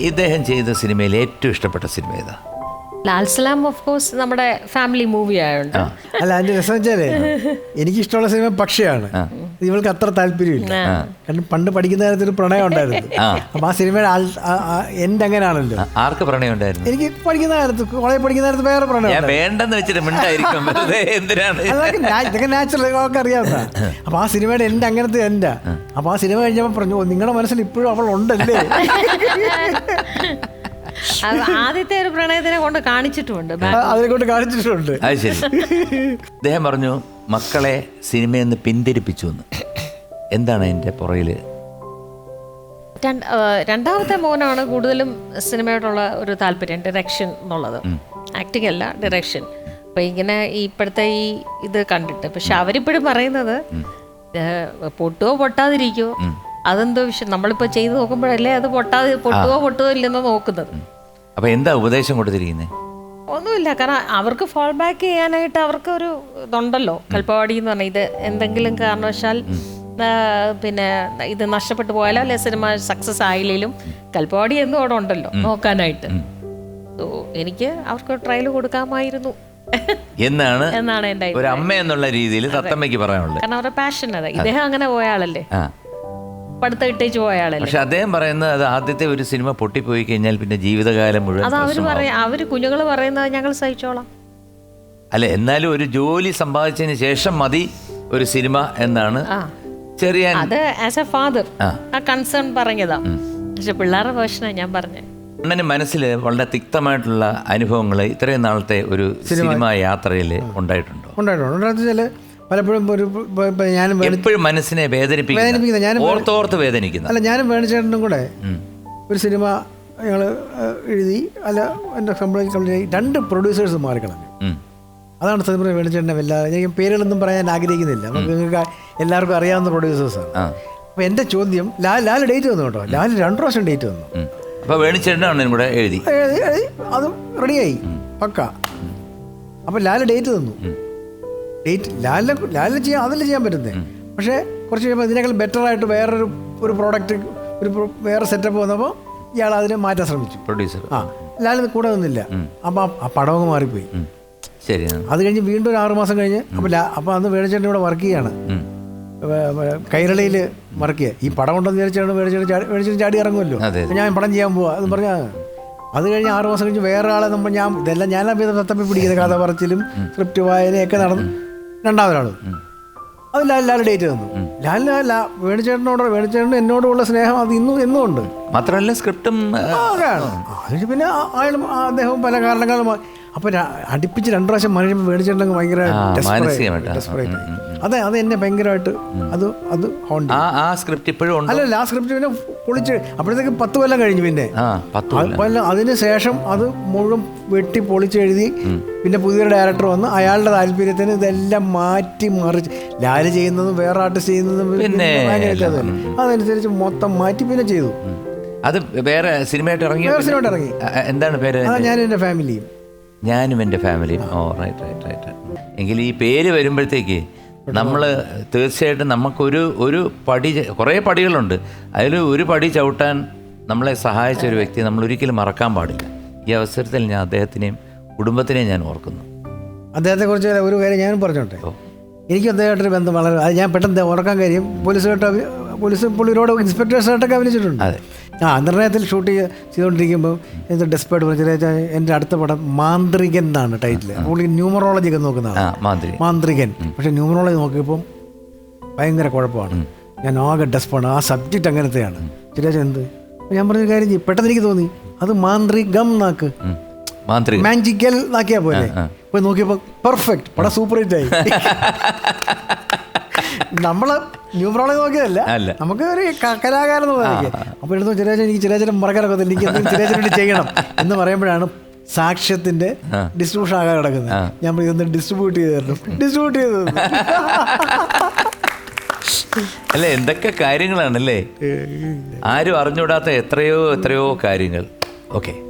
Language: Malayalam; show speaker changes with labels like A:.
A: ഇദ്ദേഹം ചെയ്ത സിനിമയിൽ ഏറ്റവും ഇഷ്ടപ്പെട്ട സിനിമ ഏതാ?
B: ലാൽ സലാം ഓഫ് കോഴ്സ് നമ്മുടെ ഫാമിലി മൂവി ആയതുകൊണ്ട്.
C: അല്ല, അതിന്റെ രസം വെച്ചാലേ എനിക്കിഷ്ടമുള്ള സിനിമ പക്ഷിയാണ്. ഇവൾക്ക് അത്ര താല്പര്യമില്ല. കാരണം പണ്ട് പഠിക്കുന്ന കാര്യത്തിൽ ഒരു പ്രണയം ഉണ്ടായിരുന്നു. അപ്പൊ ആ സിനിമയുടെ എന്റെ അങ്ങനെയാണല്ലോ.
A: ആർക്ക് പ്രണയം ഉണ്ടായിരുന്നു?
C: എനിക്ക് പഠിക്കുന്ന കാലത്ത്, കോളേജ് പഠിക്കുന്ന കാലത്ത് വേറെ പ്രണയം
A: വേണ്ടെന്ന് വെച്ചിട്ട് എന്തിനാണ്
C: ഇതൊക്കെ നാച്ചുറൽ ഒക്കെ അറിയാവുന്ന. അപ്പൊ ആ സിനിമയുടെ എന്റെ അങ്ങനത്തെ എന്റെ. അപ്പൊ ആ സിനിമ കഴിഞ്ഞപ്പോ പറഞ്ഞു, നിങ്ങളുടെ മനസ്സിൽ ഇപ്പോഴും അവൾ ഉണ്ടല്ലേ.
B: ആദ്യത്തെ ഒരു പ്രണയത്തിനെ കൊണ്ട് കാണിച്ചിട്ടുണ്ട്,
C: അതിനെ കൊണ്ട് കാണിച്ചിട്ടുണ്ട്.
A: അത് ശരി. അദ്ദേഹം പറഞ്ഞു മക്കളെ സിനിമയിൽ നിന്ന് പിന്തിരിപ്പിച്ചു എന്ന്. എന്താണ് അതിന്റെ പുറകില്?
B: രണ്ടാമത്തെ മോനാണ് കൂടുതലും സിനിമയോടുള്ള ഒരു താല്പര്യം, ഡയറക്ഷൻ എന്നുള്ളത്. ആക്ടിങ് അല്ല, ഡയറക്ഷൻ. അപ്പൊ ഇങ്ങനെ ഇപ്പോഴത്തെ ഈ ഇത് കണ്ടിട്ട്, പക്ഷെ അവരിപ്പോഴും പറയുന്നത് പൊട്ടുവോ പൊട്ടാതിരിക്കുവോ അതെന്തോ വിഷയം. നമ്മളിപ്പോ ചെയ്ത് നോക്കുമ്പോഴല്ലേ അത് പൊട്ടുവോ ഇല്ലെന്നോ നോക്കുന്നത്.
A: അപ്പൊ എന്താ ഉപദേശം കൊടുത്തിരിക്കുന്നത്?
B: ഒന്നുമില്ല, കാരണം അവർക്ക് ഫോൾ ബാക്ക് ചെയ്യാനായിട്ട് അവർക്ക് ഒരു ഇതുണ്ടല്ലോ. കൽപ്പവാടി എന്ന് പറഞ്ഞാൽ ഇത് എന്തെങ്കിലും കാരണവശാൽ പിന്നെ ഇത് നഷ്ടപ്പെട്ടു പോയാലോ അല്ലെ സിനിമ സക്സസ് ആയില്ലേലും കൽപ്പവാടി എന്നും അവിടെ ഉണ്ടല്ലോ നോക്കാനായിട്ട്. എനിക്ക് അവർക്ക് ട്രയൽ കൊടുക്കാമായിരുന്നു
A: എന്നാണ്
B: എന്റെ
A: ഒരു അമ്മ എന്നുള്ള രീതിയിൽ തത്തമ്മയ്ക്ക് പറയാനുള്ളത്.
B: കാരണം അവരുടെ പാഷൻ അതാ. ഇദ്ദേഹം അങ്ങനെ പോയ ആളല്ലേ, പഠിത്തം ഇട്ടേച്ച് പോയ ആളല്ലേ.
A: പക്ഷെ അദ്ദേഹം പറയുന്നത് അത് ആദ്യത്തെ ഒരു സിനിമ പൊട്ടിപ്പോയി കഴിഞ്ഞാൽ പിന്നെ ജീവിതകാലം മുഴുവൻ
B: അത് അവര് കുഞ്ഞുങ്ങൾ പറയുന്നത് ഞങ്ങൾ സഹിച്ചോളാം.
A: അല്ലെ, എന്നാലും ഒരു ജോലി സമ്പാദിച്ചതിന് ശേഷം മതി ഒരു സിനിമ എന്നാണ് ചെറിയ
B: അത് ആസ് എ ഫാദർ ആ കൺസേൺ പറഞ്ഞതാ. പക്ഷെ പിള്ളേരുടെ വേർഷനാണ് ഞാൻ പറഞ്ഞത്.
A: അണ്ണന് മനസ്സിൽ വളരെ തിക്തമായിട്ടുള്ള അനുഭവങ്ങൾ ഇത്രയും നാളത്തെ ഒരു സിനിമ യാത്രയിൽ ഉണ്ടായിട്ടുണ്ടോ?
C: ഉണ്ടായിട്ടുണ്ട്. പലപ്പോഴും ഞാനും
A: എപ്പോഴും മനസ്സിനെ വേദനിപ്പിക്കുന്ന, ഓർത്തോർത്ത് വേദനിക്കുന്ന.
C: അല്ല, ഞാനും വേണിച്ചേട്ടനും കൂടെ ഒരു സിനിമ ഞങ്ങൾ എഴുതി. അല്ല, എൻ്റെ കംപ്ലീറ്റ് 2 പ്രൊഡ്യൂസേഴ്സ് മാറിക്കളഞ്ഞു. അതാണ് സത്യം വേണിച്ചേട്ടനെ വല്ലാതെ ഞാൻ പേരുകളൊന്നും പറയാൻ ആഗ്രഹിക്കുന്നില്ല. നിങ്ങൾക്ക് എല്ലാവർക്കും അറിയാവുന്ന പ്രൊഡ്യൂസേഴ്സാണ്. അപ്പോൾ എൻ്റെ ചോദ്യം, ലാൽ ഡേറ്റ് തന്നു കേട്ടോ. ലാൽ 2 പ്രാവശ്യം ഡേറ്റ് തന്നു.
A: അപ്പോൾ വേണിച്ചേട്ടനാണ് കൂടെ എഴുതി
C: അതും റെഡിയായി പക്ക. അപ്പോൾ ലാൽ ഡേറ്റ് തന്നു. ഡേറ്റ് ലാലിന് ചെയ്യാൻ, അതല്ലേ ചെയ്യാൻ പറ്റുന്നത്. പക്ഷേ കുറച്ച് കഴിയുമ്പോൾ ഇതിനേക്കാൾ ബെറ്ററായിട്ട് വേറൊരു പ്രോഡക്റ്റ്, വേറെ സെറ്റപ്പ് വന്നപ്പോൾ ഇയാൾ അതിനെ മാറ്റാൻ ശ്രമിച്ചു, പ്രൊഡ്യൂസർ. ലാലിന് കൂടെ നിന്നില്ല. അപ്പം ആ പടമൊക്കെ മാറിപ്പോയി.
A: ശരി. അത്
C: കഴിഞ്ഞ് വീണ്ടും ഒരു 6 മാസം കഴിഞ്ഞ് അപ്പോൾ അന്ന് വേണിച്ചേട്ടൻ ഇവിടെ വർക്ക് ചെയ്യാണ്, കൈരളിയിൽ വർക്ക് ചെയ്യുക. ഈ പടം ഉണ്ടെന്ന് വിചാരിച്ചാണ് വേണിച്ചേട്ടൻ ചാടി ഇറങ്ങുമല്ലോ, ഞാൻ പടം ചെയ്യാൻ പോവാ എന്ന് പറഞ്ഞാൽ. അത് കഴിഞ്ഞ് 6 മാസം കഴിഞ്ഞ് വേറെ ആളെ ഇതെല്ലാം ഞാനാ തത്തപ്പി പിടിക്കുന്ന കഥ പറച്ചിലും സ്ക്രിപ്റ്റ് വായനയൊക്കെ നടന്നു. 2ാമതൊരാൾ അത് ലാൽ ഡേറ്റ് തന്നു. വേണിച്ചേട്ടനും എന്നോടുള്ള സ്നേഹം അത് എന്നും ഉണ്ട്.
A: മാത്രമല്ല സ്ക്രിപ്റ്റും
C: അതിന് പിന്നെ അദ്ദേഹം പല കാരണങ്ങളും. അപ്പൊ അടുപ്പിച്ച് 2 പ്രാവശ്യം മഴയുമ്പോൾ വേണിച്ചേട്ടൻ ഭയങ്കര അതെ, അത് എന്നെ ഭയങ്കരമായിട്ട് അത്
A: ആ സ്ക്രിപ്റ്റ് ഇപ്പോഴും
C: അല്ലല്ല, ആ സ്ക്രിപ്റ്റ് പിന്നെ പൊളിച്ച് അപ്പോഴത്തേക്ക് 10 കൊല്ലം കഴിഞ്ഞു. പിന്നെ അതിന് ശേഷം അത് മുഴുവൻ വെട്ടി പൊളിച്ചെഴുതി. പിന്നെ പുതിയൊരു ഡയറക്ടർ വന്ന് അയാളുടെ താല്പര്യത്തിന് ഇതെല്ലാം മാറ്റി മറിച്ച്, ലാല് ചെയ്യുന്നതും വേറെ ആർട്ടിസ്റ്റ് ചെയ്യുന്നതും പിന്നെ അതനുസരിച്ച് മൊത്തം മാറ്റി പിന്നെ ചെയ്തു.
A: അത് വേറെ സിനിമയായിട്ട് ഇറങ്ങി. എന്താണ് പേര്?
C: ഞാനും എൻ്റെ ഫാമിലിയും.
A: Oh right. എങ്കിൽ ഈ പേര് വരുമ്പോഴത്തേക്ക് നമ്മൾ തീർച്ചയായിട്ടും നമുക്കൊരു പടി, കുറേ പടികളുണ്ട്. അതിൽ ഒരു പടി ചവിട്ടാൻ നമ്മളെ സഹായിച്ച ഒരു വ്യക്തി നമ്മൾ ഒരിക്കലും മറക്കാൻ പാടില്ല. ഈ അവസരത്തിൽ ഞാൻ അദ്ദേഹത്തിനെയും കുടുംബത്തിനെയും ഞാൻ ഓർക്കുന്നു.
C: അദ്ദേഹത്തെക്കുറിച്ച് ഒരു കാര്യം ഞാനും പറഞ്ഞോട്ടെ. എനിക്കും അദ്ദേഹമായിട്ടൊരു ബന്ധം വളരെ, അത് ഞാൻ പെട്ടെന്ന് ഓർക്കാൻ കാര്യം, പോലീസ് പുള്ളിയോട് ഇൻസ്പെക്ടേഴ്സായിട്ടൊക്കെ അഭിനയിച്ചിട്ടുണ്ട്. നിർണയത്തിൽ ഷൂട്ട് ചെയ്തുകൊണ്ടിരിക്കുമ്പോൾ എന്ത് ഡെസ്പേർട്ട് പറഞ്ഞാൽ എൻ്റെ അടുത്ത പടം മാന്ത്രികൻ എന്നാണ് ടൈറ്റിൽ. പുള്ളി ന്യൂമറോളജി ഒക്കെ നോക്കുന്നതാണ്, മാന്ത്രികൻ. പക്ഷെ ന്യൂമറോളജി നോക്കിയപ്പം ഭയങ്കര കുഴപ്പമാണ്. ഞാൻ ആകെ ഡെസ്പാണ്. ആ സബ്ജക്റ്റ് അങ്ങനത്തെയാണ്. ചിരാജ് എന്ത് ഞാൻ പറഞ്ഞൊരു കാര്യം ചെയ്യും, പെട്ടെന്ന് എനിക്ക് തോന്നി അത് മാന്ത്രികം നാക്ക്, മാജിക്കൽ നാക്കിയാ പോലെ. പോയി നോക്കിയപ്പോൾ പെർഫെക്റ്റ് പടം, സൂപ്പർ ഹിറ്റ് ആയി. നമ്മള് ന്യൂമറോളജി നോക്കിയതല്ല, നമുക്ക് ഒരു കലാകാരൻ നോക്കി. അപ്പോൾ എടുത്തു എനിക്ക് ചിരാചരം മറക്കാനൊക്കെ, എനിക്ക് ചിരാചരം വേണ്ടി ചെയ്യണം എന്ന് പറയുമ്പോഴാണ് സാക്ഷ്യത്തിന്റെ ഡിസ്ട്രിബ്യൂഷൻ ആകാൻ കിടക്കുന്നത്. ഞാൻ ഇതൊന്ന് ഡിസ്ട്രിബ്യൂട്ട് ചെയ്തു.
A: അല്ലേ, എന്തൊക്കെ കാര്യങ്ങളാണല്ലേ, ആരും അറിഞ്ഞുകൂടാത്ത എത്രയോ കാര്യങ്ങൾ. ഓക്കെ.